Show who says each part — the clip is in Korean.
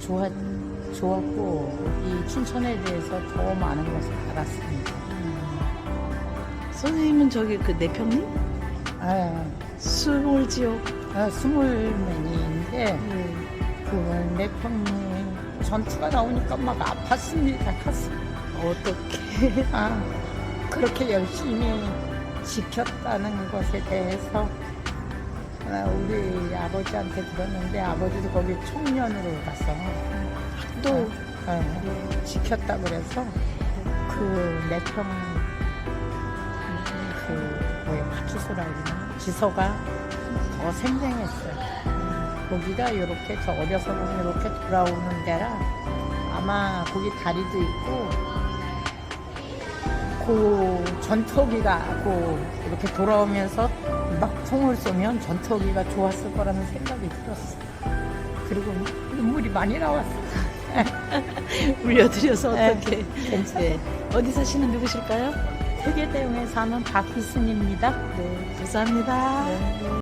Speaker 1: 좋았고 이 춘천에 대해서 더 많은 것을 알았습니다.
Speaker 2: 선생님은 저기 그 내평리?
Speaker 1: 아,
Speaker 2: 수몰지역.
Speaker 1: 스물맨인데
Speaker 2: 네.
Speaker 1: 그 내평리 전투가 나오니까 막 아팠습니다. 가슴.
Speaker 2: 어떻게?
Speaker 1: 아, 그렇게 열심히 지켰다는 것에 대해서 우리 아버지한테 들었는데 아버지도 거기 청년으로 가서 또 지켰다 그래서 그 내평 그 뭐야 파출소라 그러나 지서가 더 생생했어요. 거기가 이렇게 저 어려서 보면 이렇게 돌아오는 데라 아마 거기 다리도 있고 그 전투기가 이렇게 돌아오면서 막 총을 쏘면 전투기가 좋았을 거라는 생각이 들었어. 그리고 눈물이 많이 나왔어.
Speaker 2: 울려드려서
Speaker 1: 네,
Speaker 2: 어떻게?
Speaker 1: 괜찮아요.
Speaker 2: 네. 어디 사시는 누구실까요?
Speaker 1: 세계대용에 사는 박희순입니다.
Speaker 2: 네, 감사합니다.
Speaker 1: 네.